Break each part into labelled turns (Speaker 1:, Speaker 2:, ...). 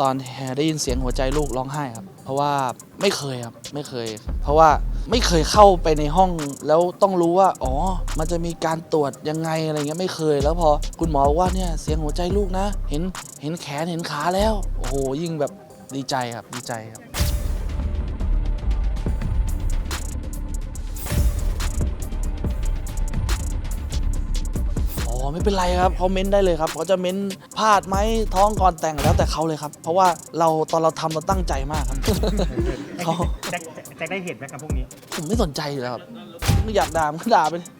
Speaker 1: อนได้ยินเสียงหัวใจลูกร้องไห้ครับเพราะว่าไม่เคยครับไม่เคยเพราะว่าไม่เคยเข้าไปในห้องแล้วต้องรู้ว่าอ๋อมันจะมีการตรวจยังไงอะไรเงี้ยไม่เคยแล้วพอคุณหมอบอกว่าเนี่ยเสียงหัวใจลูกนะเห็นแขนเห็นขาแล้วโอ้โหยิ่งแบบดีใจครับดีใจครับอ๋อไม่เป็นไรครับเขาเม้นได้เลยครับเขาจะเม้นพลาดไหมท้องก่อนแต่งแล้วแต่เขาเลยครับเพราะว่าตอนเราทำเราตั้งใจมากครับ เขา
Speaker 2: แจ็คได้เห็นไหมกับพวกนี้
Speaker 1: ผมไม่สนใจอยู่แล้วครับไม่อยากด่ามันก็ด่าไปเลย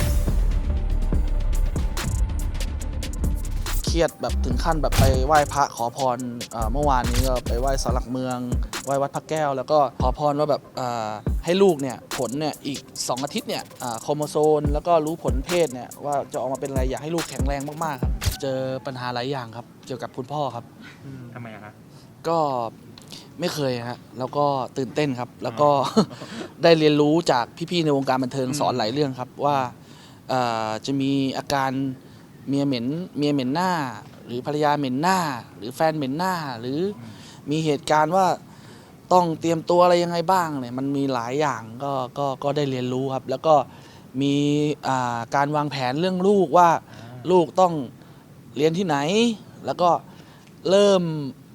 Speaker 1: เครียดแบบถึงขั้นแบบไปไหว้พระขอพรเมื่อวานนี้ก็ไปไหว้ศาลหลักเมืองไหว้วัดพระแก้วแล้วก็ขอพรว่าแบบให้ลูกเนี่ยผลเนี่ยอีก2 อาทิตย์เนี่ยโครโมโซมแล้วก็รู้ผลเพศเนี่ยว่าจะออกมาเป็นอะไรอยากให้ลูกแข็งแรงมากๆครับเจอปัญหาหลายอย่างครับเกี่ยวกับคุณพ่อครับ
Speaker 2: ทำไมอะคะ
Speaker 1: ก็ไม่เคยฮะแล้วก็ตื่นเต้นครับแล้วก็ ได้เรียนรู้จากพี่ๆในวงการบันเทิงสอนหลายเรื่องครับว่าจะมีอาการเมียเหม็นหน้าหรือภรรยาเหม็นหน้าหรือแฟนเหม็นหน้าหรือมีเหตุการณ์ว่าต้องเตรียมตัวอะไรยังไงบ้างเนี่ยมันมีหลายอย่างก็ได้เรียนรู้ครับแล้วก็มีการวางแผนเรื่องลูกว่าลูกต้องเรียนที่ไหนแล้วก็เริ่ม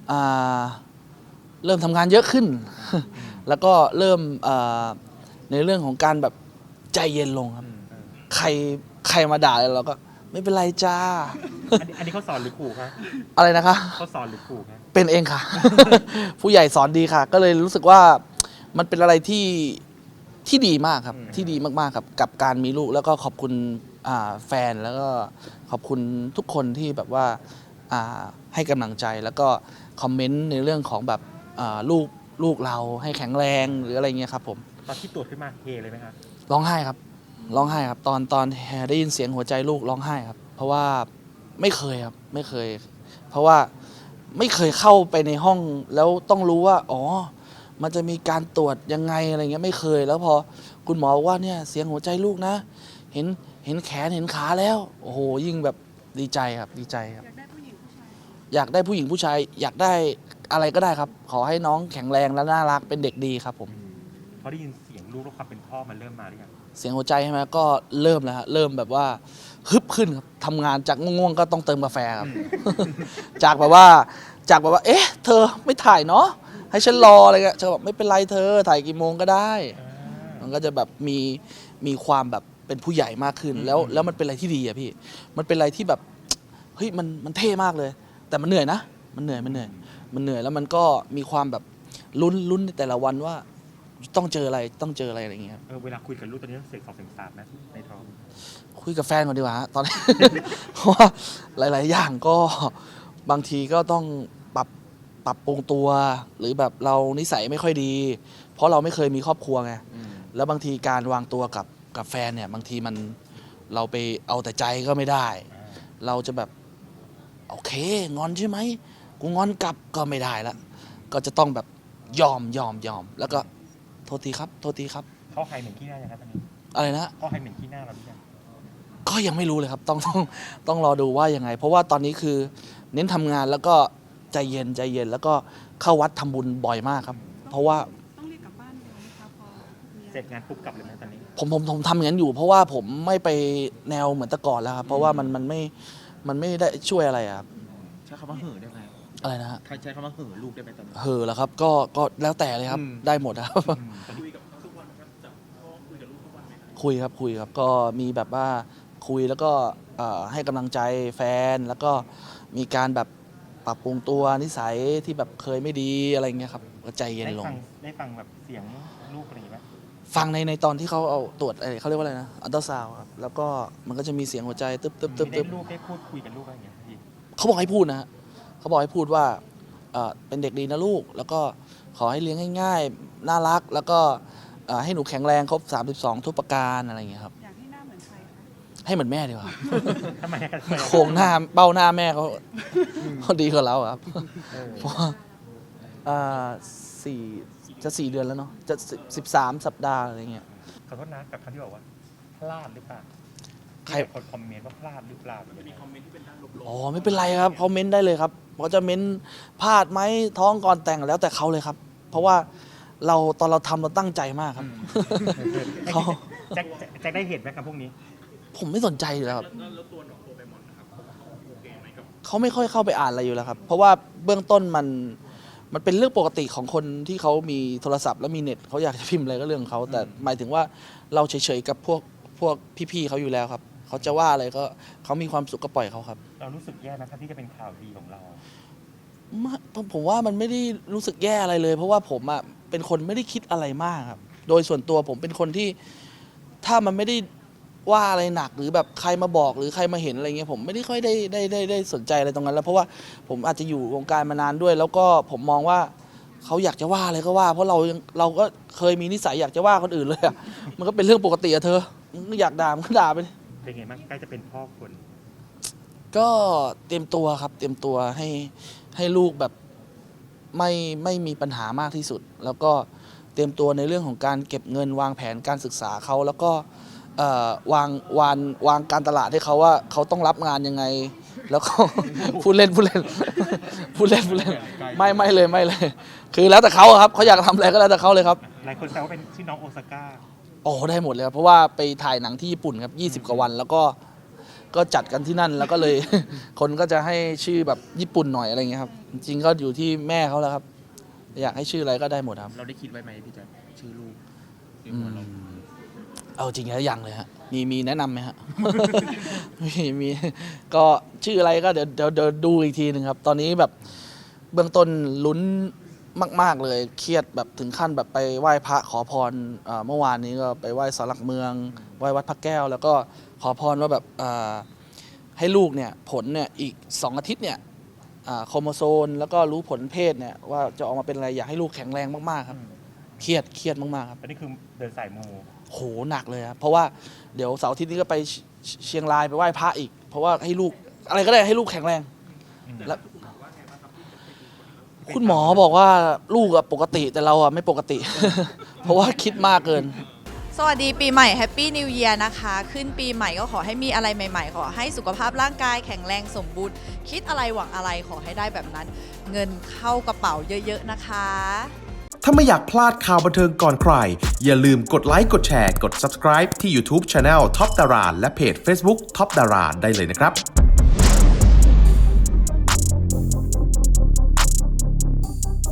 Speaker 1: ทำงานเยอะขึ้น แล้วก็เริ่มในเรื่องของการแบบใจเย็นลงครับใครมาด่าเราก็ไม่เป็นไรจ้า
Speaker 2: อันนี้เขาสอนหรือขู่คะ
Speaker 1: อะไรนะคะ
Speaker 2: เขาสอนหรือขู่คะ
Speaker 1: เป็นเองค่ะ ผู้ใหญ่สอนดีค่ะ ก็เลยรู้สึกว่ามันเป็นอะไรที่ดีมากครับที่ดีมากๆครับกับการมีลูกแล้วก็ขอบคุณแฟนแล้วก็ขอบคุณทุกคนที่แบบว่าให้กำลังใจแล้วก็คอมเมนต์ในเรื่องของแบบลูกเราให้แข็งแรงหรืออะไรเงี้ยครับผม
Speaker 2: ตอนที่ตรวจขึ้นมาเฮเลยไหมคะ
Speaker 1: ร้องไห้ครับร้องไห้ครับตอนได้ยินเสียงหัวใจลูกร้องไห้ครับเพราะว่าไม่เคยครับไม่เคยเพราะว่าไม่เคยเข้าไปในห้องแล้วต้องรู้ว่าอ๋อมันจะมีการตรวจยังไงอะไรเงี้ยไม่เคยแล้วพอคุณหมอบอกว่าเนี่ยเสียงหัวใจลูกนะเห็นแขนเห็นขาแล้วโอ้โหยิ่งแบบดีใจครับดีใจครับอยากได้ผู้หญิงผู้ชายอยากได้อะไรก็ได้ครับขอให้น้องแข็งแรงและน่ารักเป็นเด็กดีครับผม
Speaker 2: พอได้ยินเสียงลูกแล้วความเป็นพ่อมันเริ่มมาหรือยัง
Speaker 1: เสียงหัวใจใช่ไหมก็เริ่มแล้วฮะเริ่มแบบว่าฮึบขึ้นครับทำงานจากง่วงๆก็ต้องเติมกาแฟครับ จากแบบว่าเอ๊ะเธอไม่ถ่ายเนาะให้ฉันรออะไรเงี้ยเธอบอกไม่เป็นไรเธอถ่ายกี่โมงก็ได้มันก็จะแบบมีความแบบเป็นผู้ใหญ่มากขึ้นแล้วมันเป็นอะไรที่ดีอะพี่มันเป็นอะไรที่แบบเฮ้ยมันเท่มากเลย แต่มันเหนื่อยนะมันเหนื่อยแล้วมันก็มีความแบบลุ้นในแต่ละวันว่าต้องเจออะไรอะไรอย่างเงี้ย
Speaker 2: เวลาคุยกับลูกตอนนี้ต้องเสียง2 เสียง 3ไหมในท้อง
Speaker 1: คุยกับแฟนก่อนดีกว่าฮะตอนนี้ เพราะว่าหลาย ๆ อย่างก็บางทีก็ต้องปรับปรุงตัว หรือแบบเรานิสัยไม่ค่อยดี เพราะเราไม่เคยมีครอบครัวไงแล้วบางทีการวางตัวกับแฟนเนี่ยบางทีเราไปเอาแต่ใจก็ไม่ได้ เราจะแบบโอเคงอนใช่ไหมกูงอนกลับก็ไม่ได้ละก็จะต้องแบบยอมแล้วก็โทษทีครับ
Speaker 2: เขาใครเหม็นขี้หน้ายังครับตอนนี้
Speaker 1: อะไรนะ
Speaker 2: เขาใครเหม็นขี้หน้าเราหรือยัง
Speaker 1: ก็ยังไม่รู้เลยครับต้องรอดูว่ายังไง เพราะว่าตอนนี้คือเน้นทำงานแล้วก็ใจเย็นแล้วก็เข้าวัดทำบุญบ่อยมากครับ เพราะว่า
Speaker 3: ต้องรีบกลับบ้านเร็วไหมคะพอ
Speaker 2: เสร็จงานปุ๊บกลับเลยไหมตอนนี้
Speaker 1: ผมทำอย่างนั้นอยู่ เพราะว่าผมไม่ไปแนวเหมือนแต่ก่อนแล้วครับเพราะว่ามันไม่ได้ช่วยอะไรครับ
Speaker 4: ใช้คำว่าเห่อได้ไหม
Speaker 1: อะไรนะฮะ
Speaker 4: ใช้คำว่าเห่อลูกได้ไหมตอนนี้
Speaker 1: เหอแล้วครับก็แล้วแต่เลยครับได้หมดครับคุยครับก็มีแบบว่าคุยแล้วก็ให้กำลังใจแฟนแล้วก็มีการแบบปรับปรุงตัวนิสัยที่แบบเคยไม่ดีอะไรเงี้ยครับก็ใจเย็นลง
Speaker 2: ได้ฟังแบบเสียงลูกอะไรอย่างเงี้ย
Speaker 1: ฟังในตอนที่เขาเอาตรวจเขาเรียกว่าอะไรนะอัลตราซาวด์ครับแล้วก็มันก็จะมีเสียงหัวใจตึ๊บ
Speaker 2: ลูกได้พูดคุยกับลูกอะไรอย่างเงี้ยพี่
Speaker 1: เขาบอกให้พูดนะฮะเขาบอกให้พูดว่าเป็นเด็กดีนะลูกแล้วก็ขอให้เลี้ยงง่ายๆน่ารักแล้วก็ให้หนูแข็งแรงครบ32ทุกประการอะไรเงี้ยครับ
Speaker 3: อยากให้หน้าเหมือนใครคะ
Speaker 1: ให้เหมือนแม่ดีกว่า
Speaker 2: ทำไมกัน
Speaker 1: โครงหน้าเบ้าหน้าแม่เขาดีกว่าเราครับเพราะว่าจะ4 เดือนแล้วเนาะจะ13 สัปดาห์อะไรเงี้ย
Speaker 2: ขอโทษนะกับคำที่บอกว่าพลาดหรือเปล่า
Speaker 1: ใคร
Speaker 2: คนคอมเมนต์ว่าพลาดหรือเปล่ามีคอมเมนต์
Speaker 1: อ๋อไม่เป็นไรครับเขาเม้นได้เลยครับเขาจะเม้นพลาดไหมท้องก่อนแต่งแล้วแต่เขาเลยครับ เพราะว่าตอนเราทำเราตั้งใจมากครับเขา
Speaker 2: แจ็คได้เห็นไหมครับพวกนี้
Speaker 1: ผมไม่สนใจอยู่แล้วครับเขาไม่ค่อยเข้าไปอ่านอะไรอยู่แล้วครับ เพราะว่าเบื้องต้นมันเป็นเรื่องปกติของคนที่เขามีโทรศัพท์และมีเน็ตเขาอยากจะพิมพ์อะไรก็เรื่องของเขาแต่หมายถึงว่าเราเฉยๆกับพวกพี่ๆเขาอยู่แล้วครับเขาจะว่าอะไรก็เขามีความสุขก็ปล่อยเขาครับ
Speaker 2: เรารู้สึกแย่นะครับที่จะเป็นข่าวดีของเรา
Speaker 1: ผมว่ามันไม่ได้รู้สึกแย่อะไรเลย เพราะว่าผมอ่ะเป็นคนไม่ได้คิดอะไรมากครับ โดยส่วนตัวผมเป็นคนที่ถ้ามันไม่ได้ว่าอะไรหนักหรือแบบใครมาบอกหรือใครมาเห็นอะไรเงี้ยผมไม่ได้ค่อยได้สนใจอะไรตรงนั้นแล้วเพราะว่าผมอาจจะอยู่วงการมานานด้วย แล้วก็ผมมองว่าเขาอยากจะว่าอะไรก็ว่า เพราะเราก็เคยมีนิสัยอยากจะว่าคนอื่นเลยอะมันก็เป็นเรื่องปกติอะเธออยากด่ามันก็ด่าไป
Speaker 2: เป็นไงบ้างใกล้จะเป็นพ่อคน
Speaker 1: ก็เตรียมตัวครับเตรียมตัวให้ลูกแบบไม่มีปัญหามากที่สุด แล้วก็เตรียมตัวในเรื่องของการเก็บเงินวางแผนการศึกษาเขาแล้วก็วางการตลาดให้เขาว่าเขาต้องรับงานยังไง แล้วก็ พูดเล่นไม่เลย คือแล้วแต่เขาอะครับเขาอยากทำอะไรก็แล้วแต่เขาเลยครับ
Speaker 2: หลายคนแซวว่าเป็นชื่อน้องโอซาก้า
Speaker 1: โอ้ได้หมดเลยครับเพราะว่าไปถ่ายหนังที่ญี่ปุ่นครับ20 กว่าวัน แล้วก็จัดกันที่นั่นแล้วก็เลย คนก็จะให้ชื่อแบบญี่ปุ่นหน่อยอะไรเงี้ยครับจริงๆก็อยู่ที่แม่เขาแล้วครับ อยากให้ชื่ออะไรก็ได้หมดครับ
Speaker 4: เราได้คิดไว้ไหมพี่แจ๊คชื่อลูกใน
Speaker 1: อื
Speaker 4: หัว
Speaker 1: ม
Speaker 4: เรา
Speaker 1: เอาจริงแล้วยังเลยฮะมีแนะนำไหมฮะ มีก็ชื่ออะไรก็เดี๋ยวดูอีกทีหนึ่งครับ ตอนนี้แบบเบื้องต้นลุ้นมาก ๆเลยเครียดแบบถึงขั้นแบบไปไหว้พระขอพรเมื่อวานนี้ก็ไปไหว้ศาลหลักเมืองไหว้วัดพระแก้ว แล้วก็ขอพรว่าแบบให้ลูกเนี่ยผลเนี่ยอีก2 อาทิตย์เนี่ยโครโมโซมแล้วก็รู้ผลเพศเนี่ยว่าจะออกมาเป็นอะไรอยากให้ลูกแข็งแรงมากๆครับเครียดมากๆครับ
Speaker 2: อันนี้คือเดินสายมู
Speaker 1: โหหนักเลยครับเพราะว่าเดี๋ยวเสาร์อาทิตย์นี้ก็ไปเชียงรายไปไหว้พระอีก เพราะว่าให้ลูกอะไรก็ได้ให้ลูกแข็งแรงแล้วคุณหมอบอกว่าลูกอะปกติแต่เราอะไม่ปกติ เพราะว่าคิดมากเกิน
Speaker 5: สวัสดีปีใหม่แฮปปี้นิว e ย r นะคะ ขึ้นปีใหม่ก็ขอให้มีอะไรใหม่ๆ ขอให้สุขภาพร่างกายแข็งแรงสมบูรณ์ คิดอะไรหวังอะไรขอให้ได้แบบนั้น เงินเข้ากระเป๋าเยอะๆนะคะ
Speaker 6: ถ้าไม่อยากพลาดข่าวบันเทิงก่อนใคร อย่าลืมกดไลค์ กดแชร์ กด subscribe ที่ YouTube Channel Top Dara และเพจ Facebook Top Dara ได้เลยนะครับ